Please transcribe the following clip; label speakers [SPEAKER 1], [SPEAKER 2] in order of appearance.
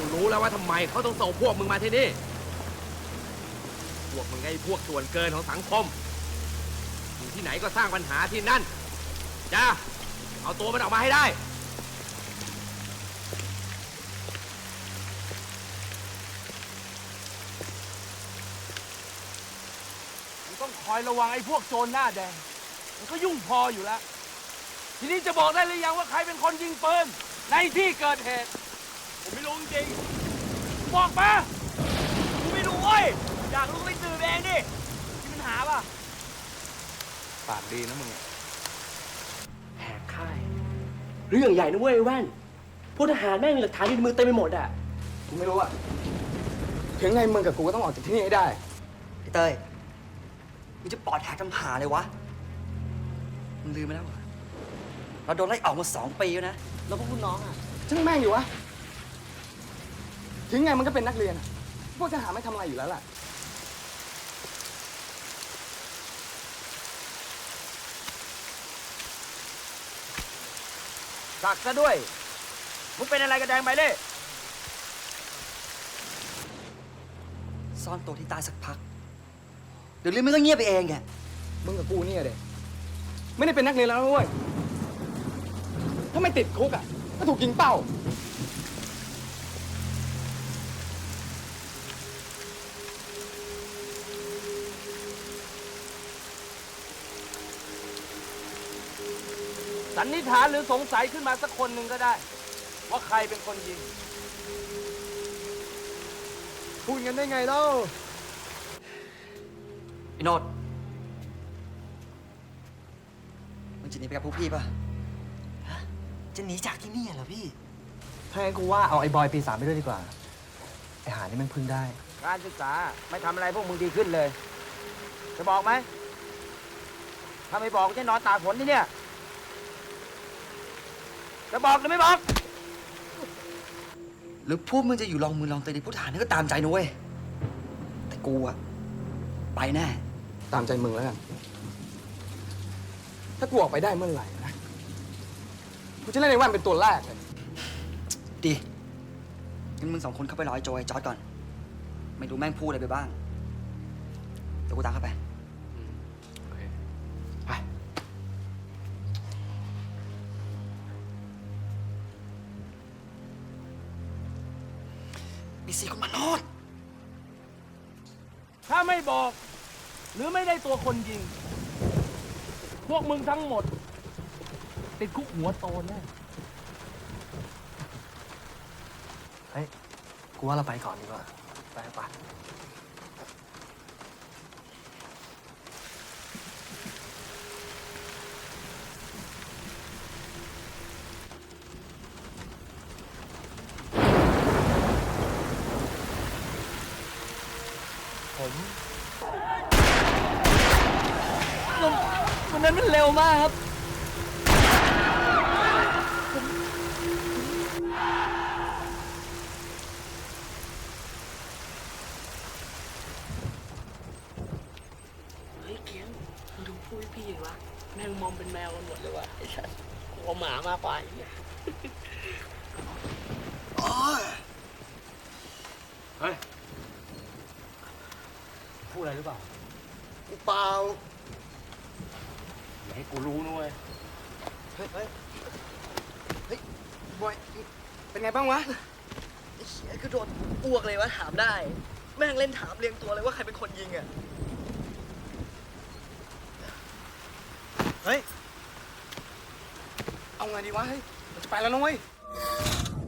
[SPEAKER 1] รู้แล้วว่าทำไมเขาต้องส่งพวกมึงมาที่นี่พวกมึงไอ้พวกส่วนเกินของสังคมอยู่ที่ไหนก็สร้างปัญหาที่นั่นจ้าเอาตัวมันออกมาให้ได้ต้องคอยระวังไอ้พวกโจรหน้าแดงมันก็ยุ่งพออยู่แล้วทีนี้จะบอกได้หรือยังว่าใครเป็นคนยิงปืนในที่เกิดเหตุผมไม่รู้จริงบอกมากูไม่รู้เว้ยอยากรู้ไปสืบเองดิมีปัญหาป่ะปากดีนะมึง
[SPEAKER 2] แหกค่ายเรื่องใหญ่นะเว้ยแว่นพวกทหารแม่งหลักฐานอยู่ในมือเต็มไปหมดอ่ะ
[SPEAKER 3] กูไม่รู้อะถึงไงมึงกับกูก็ต้องออกจากที่นี่ให้ได้
[SPEAKER 4] พี่เต้ยมึงจะปลอดแหกทำหาเลยวะมึงลืมไปแล้วเหรอเราโดนไล่ออกมา2 ปีแล้วนะ
[SPEAKER 2] แล้วพวกคุณน้องอ่ะ
[SPEAKER 3] ช่างแม่งอยู่วะถึงไงมันก็เป็นนักเรียนอะพวกทหารไม่ทำอะไรอยู่แล้วล่ะ
[SPEAKER 1] สักซะด้วยมึงเป็นอะไรกันแดงไปเล่
[SPEAKER 4] ซ่อนตัวที่ใต้สักพักเดี๋ยวเรื่องมันก็เงียบไปเองแก
[SPEAKER 3] มึงกับกูเนี่ยเด็ไม่ได้เป็นนักเรียนแล้วนะเว้ยถ้าไม่ติดคุกอะก็ถูกยิงเป้า
[SPEAKER 1] สันนิษฐานหรือสงสัยขึ้นมาสักคนหนึ่งก็ได้ว่าใครเป็นคนยิง
[SPEAKER 3] พูดกันได้ไงเล่า
[SPEAKER 4] พี่โนดมึงจะหนีไปกับพวกพี่ป่ะ
[SPEAKER 2] จะหนีจากที่นี่เหรอพี่
[SPEAKER 3] ถ้างั้นกูว่าเอาไอ้บอยปี 3ไปด้วยดีกว่าไอ้หานี่มันพึ่งได้
[SPEAKER 1] การศึกษาไม่ทำอะไรพวกมึงดีขึ้นเลยจะบอกไหมถ้าไม่บอกจะนอนตากฝนที่เนี่ยจะบอกหรือไม่บอก
[SPEAKER 4] หรือพวกมึงจะอยู่ลองมือลองตีในผู้ทหารนี่ก็ตามใจนะเว้ยแต่กูอะไปแน่
[SPEAKER 3] ตามใจมึงแล้วกันถ้ากูออกไปได้เมื่อไหร่นะกูจะเล่นในแว่นเป็นตัวแรกเลย
[SPEAKER 4] ดีงั้นมึง2 คนเข้าไปรอไอ้โจไอ้จอร์จก่อนไม่รู้แม่งพูดอะไรไปบ้างเดี๋ยวกูตามเข้าไป
[SPEAKER 3] ไป
[SPEAKER 4] ไอ้4 คนมาโนด
[SPEAKER 1] ถ้าไม่บอกหรือไม่ได้ตัวคนยิงพวกมึงทั้งหมดติดคุกหัวโตแน่
[SPEAKER 2] เฮ้ยกูว่าเราไปก่อนดีกว่าไปไป
[SPEAKER 1] วันนั้นมันเร็วมากครับ
[SPEAKER 2] เฮ้ยเกียงมึงดูพูดพี่เห็นวะแมงมอมเป็นแมวกันหมดเลยวะไอ้สัสกลัวหมามากกว่าไอ้เนี่ย
[SPEAKER 1] เฮ้ยพูดอะไรหรือเปล่า
[SPEAKER 3] กูเปล่า
[SPEAKER 1] อย่าให้กูรู้นะเว้ย
[SPEAKER 3] เฮ้ยบอยเป็นไงบ้างวะ
[SPEAKER 2] ไอ้เหี้ยคือโดนอ้วกเลยวะถามได้แม่งเล่นถามเรียงตัวเลยว่าใครเป็นคนยิงอ่ะ
[SPEAKER 3] เฮ้ยเอาไงดีวะเฮ้ยเราจะไปแล้วนะเว้ย